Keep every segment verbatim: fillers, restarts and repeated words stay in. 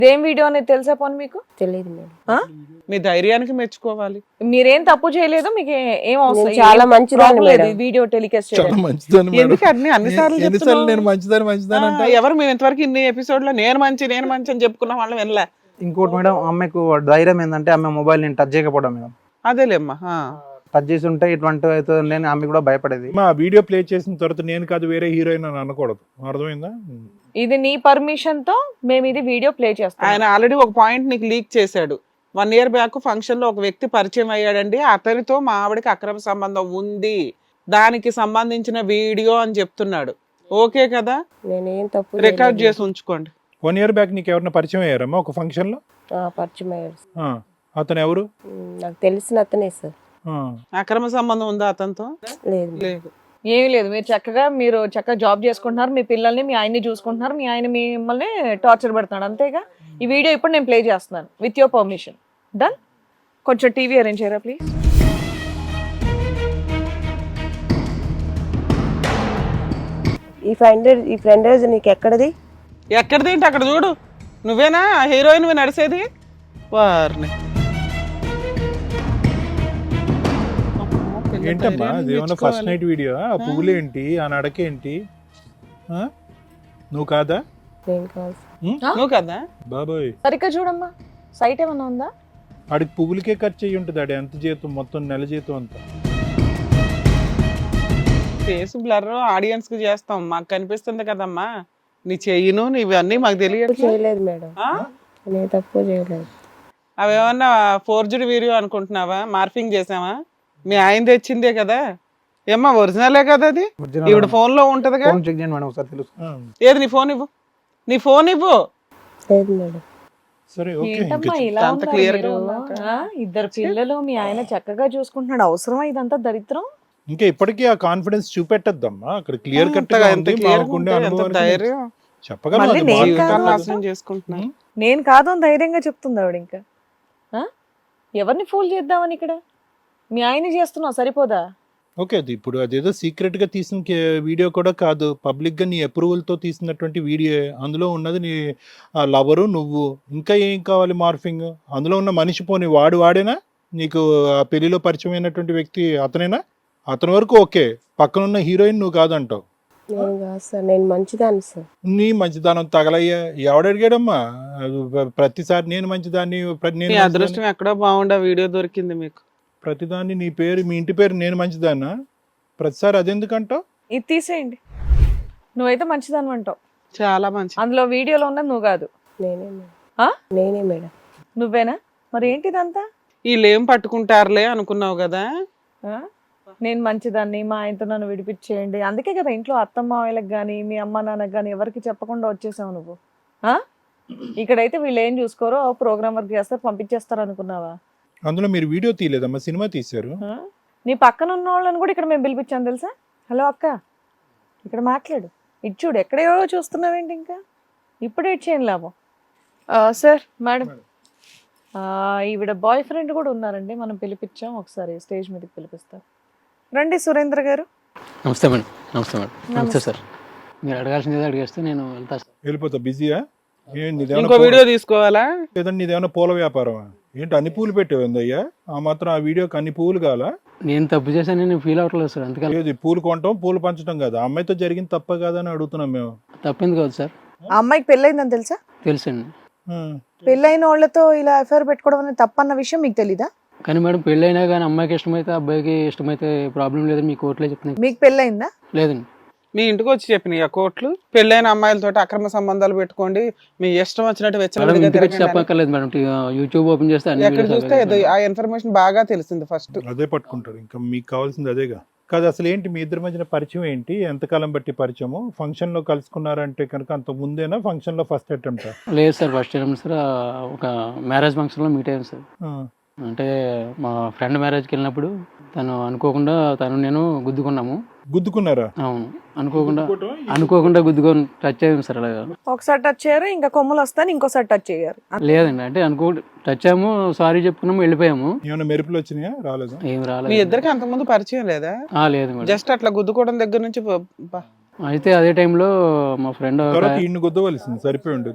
ఏం వీడియో అనేది తెలుసా పోనీ మీకు? తెలియదు మేడం. ఆ? మీ ధైర్యానికి మెచ్చుకోవాలి. మీరేం తప్పు చేయలేదు, మీకు ఏ- ఏం అవసరం నేను చాలా ఏం మంచిదాన్ని problem లేదు మేడం. ఈ వీడియో టెలికాస్ట్ చాలా చేయడం. మంచిదని మేడం. ఎందుకు అన్ని అన్నిసార్లు ఎన్నిసార్లు చెప్తున్నావు? నేను మంచిదని మంచిదని అంటే ఆ, ఎవరు మేము ఇంతవరకు ఇన్ని ఎపిసోడ్ లో నేను మంచి నేను మంచి అని చెప్పుకున్న వాళ్ళం వినలే. ఇంకోటి మేడం, ఆమెకు ధైర్యం ఏంటంటే ఆమె మొబైల్ నేను టచ్ చేయకపోవడం మేడం. అదేలేమ్మా. ఆ. టచ్ చేసి ఉంటే ఇటువంటి అవుతుంది నేను ఆమె కూడా భయపడేది. మా వీడియో ప్లే చేసిన తర్వాత నేను కాదు వేరే హీరోయిన్ అని అనకూడదు, అర్థమైందా? ఇది నీ పర్మిషన్ తో మేము ఇది వీడియో ప్లే చేస్తాం. ఆయన ఆల్రెడీ ఒక పాయింట్ నీకు లీక్ చేశాడు. వన్ ఇయర్ బ్యాక్ ఫంక్షన్ లో ఒక వ్యక్తి పరిచయం అయ్యాడండి, అతనితో మా ఆవిడకి అక్రమ సంబంధం ఉంది, దానికి సంబంధించిన వీడియో అని చెప్తున్నాడు. ఓకే కదా? నేనేం తప్పు రికార్డ్ చేయలేదు. చేసి ఉంచుకోండి. వన్ ఇయర్ బ్యాక్ నీకు ఎవరైనా పరిచయం అయ్యారమ్మా ఒక ఫంక్షన్ లో? ఆ, పరిచయం అయ్యాడు. ఆ, అతను ఎవరు? ఉమ్, నాకు తెలిసిన అతనే సార్. ఆ, అక్రమ సంబంధం ఉందా అతనితో? లేదు మేడం. లేదు. ఏమీ లేదు, మీరు చక్కగా మీరు చక్కగా జాబ్ చేసుకుంటున్నారు, మీ పిల్లల్ని మీ ఆయన్ని చూసుకుంటున్నారు, మీ ఆయన మిమ్మల్ని టార్చర్ పెడుతున్నాడు, అంతేగా? ఈ వీడియో ఇప్పుడు నేను ప్లే చేస్తున్నాను విత్ యువర్ పర్మిషన్. డన్. కొంచెం టీవీ అరేంజ్ చేయరా ప్లీజ్. ఈ ఫ్రెండ్ ఈ ఫ్రెండ్ నీకు ఎక్కడది? ఎక్కడిదేంటి అక్కడ చూడు, నువ్వేనా హీరోయిన్ నడిసేది? వారిని ఏంటమ్మా అదేమన్నా ఫస్ట్ నైట్ వీడియో? ఆ పువ్వులు ఏంటి, ఆ నడకేంటి? ఆ? నువ్వు కాదా? నేను కాదు సార్. నువ్వు కదా? బాబోయ్, సరిగ్గా చూడమ్మా, సైట్ ఏమన్నా ఉందా? ఆడికి పువ్వులకే ఖర్చు అయ్యి ఉంటుంది. ఆడి ఎంత జీతం, మొత్తం నెల జీతం అంతా. ఫేస్ బ్లర్ ఆడియన్స్ కి చేస్తాం, మాకు కనిపిస్తుంది కదమ్మా. నీ చెయ్యను నీవన్నీ మాకు తప్పు తెలియదు. చేయలేదు మేడం. నేను తప్పు చేయలేదు. అవేమన్నా ఫోర్జుడ్ వీడియో అనుకుంటున్నావా? మార్ఫింగ్ చేసావా? మీ ఆయన తెచ్చిందే కదా ఏమ్మా, ఒరిజినలే కదా అది. ఇప్పుడు ఫోన్ లో ఉంటదిగా, ఫోన్ చెక్ చేయండి మేడం ఒకసారి తెలుసు. ఆ, ఏది నీ ఫోన్ ఇవ్వు, నీ ఫోన్ ఇవ్వు. లేదు మేడం. సరే ఓకే. ఏంటమ్మా ఇంకా ఇలా అంత ఉన్నారు clear గా మీరు? ఉన్నాక. ఆ, ఇద్దరు పిల్లలు, మీ ఆయన చక్కగా చూసుకుంటున్నాడు, అవసరమా ఇదంతా దరిద్రం? ఇంకా ఇప్పటికీ ఆ కాన్ఫిడెన్స్ చూపెట్టద్దమ్మా. అక్కడ క్లియర్ కట్ అంతగా గా ఎంత ఉంది. clear గా మాకుండే ఉంటే ఎంత అనుభవానికి ధైర్యం. చెప్పగలను. మళ్ళీ అది నేను మాకు జీవితాన్ని కాదు నాశనం అసలు. చేసుకుంటున్నా. నేను కాదు అని ధైర్యంగా చెప్తుంది ఆవిడ. ఇంకా ఆ? ఎవరిని ఫూల్ చేద్దామని ఇక్కడ మీ ఆయన చేస్తున్నావు, సరిపోదా? ఓకే, అది ఇప్పుడు అదేదో సీక్రెట్ గా తీసిన కే- వీడియో కూడా కాదు, పబ్లిక్ గా నీ అప్రూవల్ తో తీసినటువంటి వీడియో. అందులో ఉన్నది నీ లవరు, నువ్వు. ఇంకా ఏం కావాలి మార్ఫింగ్? అందులో ఉన్న మనిషి పోని వాడు వాడేనా? నీకు ఆ పెళ్లిలో పరిచయం అయినటువంటి వ్యక్తి అతనేనా? అతని వరకు ఓకే, పక్కన ఉన్న హీరోయిన్ నువ్వు కాదంటావు. నేను కాదు సార్. నేను మంచిదాన్ని సార్. నీ మంచిదానం తగలయ్యా, ఎవడడిగాడమ్మా? ప్రతిసారి నేను మంచిదాన్ని, ప్ర- నేను మీ మంచిదాన్ని. అదృష్టం ఎక్కడో బాగుండా వీడియో దొరికింది మీకు. ప్రతిదాన్ని నీ పేరు, మీ ఇంటి పేరు నేను మంచిదాన్నా? ప్రతిసారి అదెందుకంటావు? ఇది తీసేయండి. నువ్వైతే మంచిదాన్ని అంటావు, చాలా మంచి. అందులో వీడియోలో ఉన్నది నువ్వు కాదు. నేనే మేడం. ఆ? నేనే మేడం. నువ్వేనా? మరి ఏంటిదంతా? వీళ్ళు ఏం పట్టుకుంటారులే అనుకున్నావు కదా. ఆ? నేను మంచిదాన్ని, మా ఆయనతో నన్ను విడిపించేయండి, అందుకే కదా ఇంట్లో అత్తమ్మ వాళ్ళకి కానీ మీ అమ్మ నాన్నకి కానీ ఎవరికి చెప్పకుండా వచ్చేసావు నువ్వు. ఆ? ఇక్కడైతే వీళ్ళు ఏం చూసుకోరో ప్రోగ్రామ్ వర్క్ చేస్తారు, పంపించేస్తారు అనుకున్నావా? అందులో మీరు వీడియో తీయలేదమ్మా, సినిమా తీశారు. ఆ? నీ పక్కన ఉన్న వాళ్ళని కూడా ఇక్కడ మేము పిలిపించాను తెలుసా. హలో అక్క, ఇక్కడ మాట్లాడు, ఇటు చూడు, ఎక్కడేవో చూస్తున్నావేంటి, ఇంకా ఇప్పుడే ఇటు చేయను లాభం. సార్ మేడం, ఈవిడ బాయ్ ఫ్రెండ్ కూడా ఉన్నారండి, మనం పిలిపించాం, ఒకసారి స్టేజ్ మీదకి పిలిపిస్తారు. రండి సురేంద్ర గారు. నమస్తే మేడం. నమస్తే మేడం. నమస్తే సార్. మీరు అడగాల్సింది అడిగేస్తే నేను వెళ్తా సార్. వెళ్ళిపోతా, బిజీయా? ఏంటి ఇంకో వీడియో తీసుకోవాలా? లేదండి నీదేమన్నా పూల వ్యాపారమా ఏంటి? అన్ని పూలు పెట్టేవిందయ్యా? ఆ మాత్రం ఆ వీడియోకి అన్ని పూలు కావాలా? నేను తప్పు చేశాను, నేను ఫీల్ అవ్వట్లేదు సార్. అందుకని లేదు, పూలు కొనటం పూలు పంచడం కాదు, ఆ అమ్మాయితో జరిగింది తప్ప కాదని అడుగుతున్నాం మేము. తప్పింది కాదు సార్, ఆ అమ్మాయికి పెళ్ళయిందని తెలుసా? తెలుసండి. ఆ, పెళ్ళైన వాళ్ళతో ఇలా ఎఫ్ఐఆర్ పెట్టుకోవడం అనేది తప్పన్న విషయం మీకు తెలీదా? కానీ మేడం పెళ్ళైనా కానీ అమ్మాయికి ఇష్టమైతే అబ్బాయికి ఇష్టమైతే ప్రాబ్లం లేదని మీ కోర్టులో చెప్తున్నాయి. మీకు పెళ్ళయిందా? లేదండి. మీ ఇంటికి వచ్చి చెప్పినాయి ఆ కోర్టులు, పెళ్ళైన అమ్మాయిలతో అక్రమ సంబంధాలు పెట్టుకోండి, మీ ఇష్టం వచ్చినట్టు మేడం వెచ్చలవిడిగా ఇంటికి వచ్చి తిరగండి అని. చెప్పక్కర్లేదు మేడం, యూట్యూబ్ ఓపెన్ చేస్తే అన్ని ఎక్కడ videos చూస్తే available. ఏదో ఆ ఇన్ఫర్మేషన్ బాగా తెలిసింది ఫస్ట్. అదే పట్టుకుంటాడు. ఇంకా మీకు కావాల్సింది అదేగా. కాదు, అసలు ఏంటి మీ ఇద్దరి మధ్యన పరిచయం ఏంటి? ఎంతకాలం బట్టి పరిచయము? ఫంక్షన్ లో కలుసుకున్నారంటే కనుక అంత ముందేనా? ఫంక్షన్ లో ఫస్ట్ అటెంప్ట్? లేదు సార్, ఫస్ట్ టైం సార్ ఒక మ్యారేజ్ ఫంక్షన్లో మీట్ అయ్యాను సార్. అంటే మా ఫ్రెండ్ మ్యారేజ్కి వెళ్ళినప్పుడు తను అనుకోకుండా తను నేను గుద్దుకున్నాము. గుద్దుకున్నారా? అవును, అనుకోకుండా అనుకోకుండా గుద్దుకొని టచ్ అయ్యాము సార్. అలాగా ఒకసారి టచ్ చేయరు, ఇంకా కొమ్ములు వస్తాను ఇంకోసారి టచ్ చేయరు. లేదండి, అంటే అనుకో టచ్ అయ్యాము, సారీ చెప్పుకున్నాము, వెళ్ళిపోయాము. ఏమైనా మెరుపులు వచ్చినాయా? రాలేదు. ఏం మీ రాలేదు. ఇద్దరికి అంతకుముందు పరిచయం లేదా? ఆ, లేదు మేడం. జస్ట్ అట్లా గుద్దుకోవడం దగ్గర నుంచి ప- ప- అయితే అదే టైంలో మా ఫ్రెండ్ తర్వాత ఈయన్ని గుద్దవలసింది, సరిపోయి ఉండేది.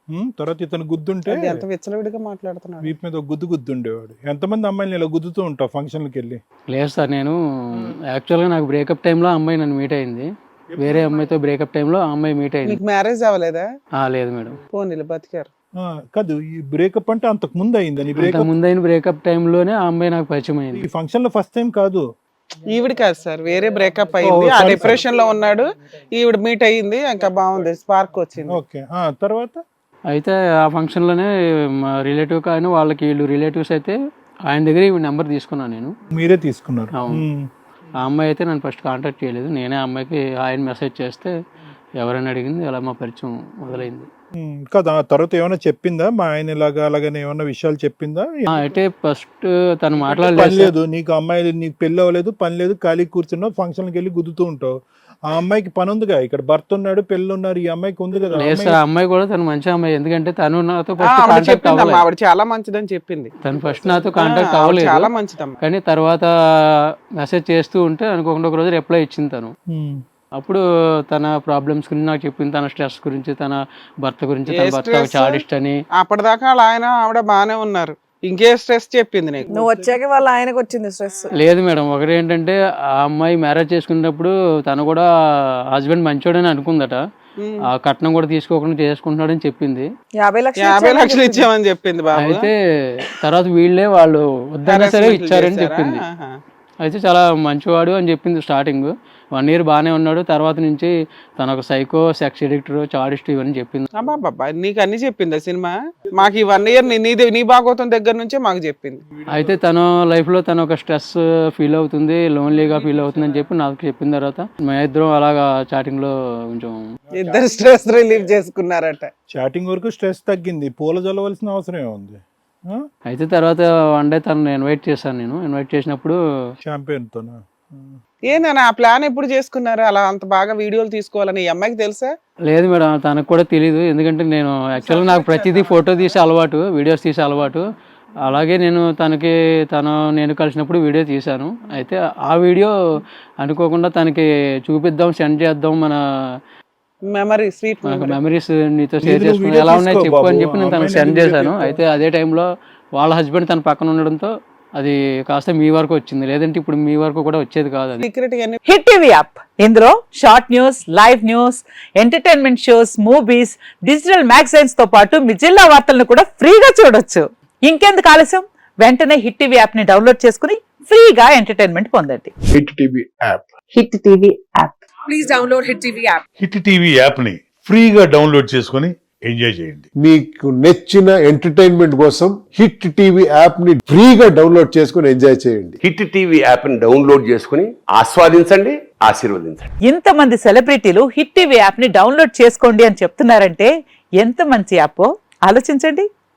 ఉమ్, తర్వాత ఇతను గుద్దుంటే అది ఎంత విచ్చలవిడిగా మాట్లాడుతున్నాడు. వీపు మీద ఒక గుద్దు గుద్దుండేవాడు. ఎంతమంది అమ్మాయిని ఇలా గుద్దుతూ ఉంటావు ఫంక్షన్లకు వెళ్ళి? లేదు సార్, నేను యాక్చువల్గా నాకు బ్రేకప్ టైంలో అమ్మాయి నన్ను మీట్ అయింది. వేరే అమ్మాయితో బ్రేకప్ టైంలో ఆ అమ్మాయి మీట్ అయింది. నీకు మ్యారేజ్ అవ్వలేదా? ఆ, లేదు మేడం. పోనీ బతికారు. ఆ, కాదు, ఈ బ్రేకప్ అంటే అంతకు ముందు అయిందని. బ్రేకప్ ముందైన బ్రేకప్ టైంలోనే ఆ అమ్మాయి నాకు పరిచయం అయింది. ఈ ఫంక్షన్ లో ఫస్ట్ టైం కాదు. ఈవిడ కాదు సార్, వేరే బ్రేకప్ అయింది, ఆ డిప్రెషన్ లో ఉన్నాడు, ఈవిడ మీట్ అయ్యింది, ఇంకా బాగుంది, స్పార్క్ వచ్చింది. ఓకే, ఆ తర్వాత అయితే ఆ ఫంక్షన్లోనే మా రిలేటివ్ కానీ వాళ్ళకి వీళ్ళు రిలేటివ్స్ అయితే ఆయన దగ్గర ఈ నెంబర్ తీసుకున్నాను నేను. మీరే తీసుకున్నారు? అవును. ఉమ్. ఆ అమ్మాయి అయితే నన్ను ఫస్ట్ కాంటాక్ట్ చేయలేదు, నేనే ఆ అమ్మాయికి ఆయన మెసేజ్ చేస్తే ఎవరైనా అడిగింది, అలా మా పరిచయం మొదలైంది. ఉమ్, కదా ఆ తర్వాత ఏమైనా చెప్పిందా మా ఆయన ఇలాగా అలాగని ఏమైనా విషయాలు చెప్పిందా? ఆ, అయితే ఫస్ట్ తను పని మాట్లాడలేదు. లేదు నీకు, అమ్మాయి నీకు పెళ్ళి అవ్వలేదు, పని లేదు, ఖాళీ కూర్చున్నావు, ఫంక్షన్కి వెళ్ళి గుద్దుతూ ఉంటావు. ఆ అమ్మాయికి పని ఉందిగా, ఇక్కడ భర్త ఉన్నాడు, పెళ్ళి ఉన్నారు, ఈ అమ్మాయికి ఉంది కదా. లేదు సార్, ఆ అమ్మాయి కూడా తను మంచి అమ్మాయి, ఎందుకంటే తను నాతో ఆ, ఫస్ట్ ఆవిడ కాంటాక్ట్ చెప్పిందమ్మా, అవ్వలేదు. ఆవిడ చాలా మంచిదని చెప్పింది. తను ఫస్ట్ నాతో కాంటాక్ట్ ఆ, ఆవిడ అవ్వలేదు, చాలా మంచిదమ్మా. కానీ తర్వాత మెసేజ్ చేస్తూ ఉంటే అనుకోకుండా ఒక రోజు రిప్లై ఇచ్చింది తను. ఉమ్. అప్పుడు తన ప్రాబ్లమ్స్ గురించి నాకు చెప్పింది, తన స్ట్రెస్ గురించి, తన భర్త గురించి, తన ఏ భర్త stress? చాడిస్ట్ అని. అప్పటిదాకా వాళ్ళ ఆయన ఆవిడ బానే ఉన్నారు, ఇంకే స్ట్రెస్ చెప్పింది నీకు? నువ్వు వచ్చాక వాళ్ళ ఆయనకు వచ్చింది స్ట్రెస్. లేదు మేడం, ఒకటి ఏంటంటే ఆ అమ్మాయి మ్యారేజ్ చేసుకునేటప్పుడు తను కూడా హస్బెండ్ మంచోడని అనుకుందట, ఆ కట్నం కూడా తీసుకోకుండా చేసుకుంటున్నాడని చెప్పింది. యాభై లక్షలు యాభై ఇచ్చానని లక్షలు చెప్పింది. ఇచ్చామని చెప్పింది బాబు. అయితే తర్వాత వీళ్ళే వాళ్ళు వద్దన్నా సరే Harassment ఇచ్చారని చేశారా? చెప్పింది. ఆహా. అయితే చాలా మంచివాడు అని చెప్పింది స్టార్టింగ్. వన్ ఇయర్ బాగానే ఉన్నాడు, తర్వాత నుంచి తన ఒక సైకో, సెక్స్ ఎడిక్టర్, చాడిస్ట్ ఇవన్నీ చెప్పింది. అబ్బాబ్బా, నీకు అన్ని చెప్పిందా సినిమా? మాకు ఈ వన్ ఇయర్ నీ నీ భాగవతం దగ్గర నుంచే మాకు చెప్పింది. అయితే తన లైఫ్లో తను ఒక స్ట్రెస్ ఫీల్ అవుతుంది, లోన్లీగా ఫీల్ అవుతుంది అని చెప్పి నాకు చెప్పిన తర్వాత మా ఇద్దరం అలాగా చాటింగ్లో కొంచెం ఇద్దరు స్ట్రెస్ రిలీవ్ చేసుకున్నారట. చాటింగ్ వరకు స్ట్రెస్ తగ్గింది, పూల చల్లవలసిన అవసరం ఏముంది? అయితే తర్వాత వన్ డే తను ఇన్వైట్ చేశాను. నేను ఇన్వైట్ చేసినప్పుడు షాంపెయిన్ తోనా? ఏందన్నా ఆ ప్లాన్ ఎప్పుడు చేసుకున్నారు, అలా అంత బాగా వీడియోలు తీసుకోవాలని? ఈ అమ్మాయికి తెలుసా? లేదు మేడం, తనకు కూడా తెలియదు, ఎందుకంటే నేను యాక్చువల్గా నాకు ప్రతిదీ ఫోటో తీసే అలవాటు, వీడియోస్ తీసే అలవాటు. అలాగే నేను తనకి తను నేను కలిసినప్పుడు వీడియో తీశాను. అయితే ఆ వీడియో అనుకోకుండా తనకి చూపిద్దాం, సెండ్ చేద్దాం, మన మెమరీ, స్వీట్ మనకు మెమరీస్ నీతో షేర్ వీడియో చేసుకుని ఎలా ఉన్నాయి తీసుకో చెప్పు అని బాబు, చెప్పి నేను తనకు అమ్మాయిని సెండ్ వీడియో చేశాను. తీసుకో. అయితే అదే టైంలో వాళ్ళ హస్బెండ్ తన పక్కన ఉండడంతో అది కాస్త మీ వరకు వచ్చింది, లేదంటే ఇప్పుడు మీ వరకు కూడా వచ్చేది కాదు అది. సీక్రెట్ హిట్ టీవీ యాప్, ఇందులో short news, live news, entertainment shows, movies, digital magazines తో పాటు మీ జిల్లా వార్తలను కూడా ఫ్రీగా చూడొచ్చు. ఇంకెందుకు ఆలస్యం, వెంటనే హిట్ టీవీ యాప్ ని డౌన్లోడ్ చేసుకుని ఫ్రీగా ఎంటర్టైన్మెంట్ పొందండి. Hit TV app hit TV app. Please download hit TV app. Hit TV app ని ఫ్రీగా డౌన్లోడ్ చేసుకొని ఎంజాయ్ చేయండి. మీకు నచ్చిన ఎంటర్టైన్మెంట్ కోసం హిట్ టీవీ యాప్ ని ఫ్రీగా డౌన్లోడ్ చేసుకొని ఎంజాయ్ చేయండి. హిట్ టీవీ యాప్ ని డౌన్లోడ్ చేసుకుని ఆస్వాదించండి, ఆశీర్వదించండి. ఇంతమంది సెలబ్రిటీలు హిట్ టీవీ యాప్ ని డౌన్లోడ్ చేసుకోండి అని చెప్తున్నారంటే ఎంత మంచి యాప్ ఆలోచించండి.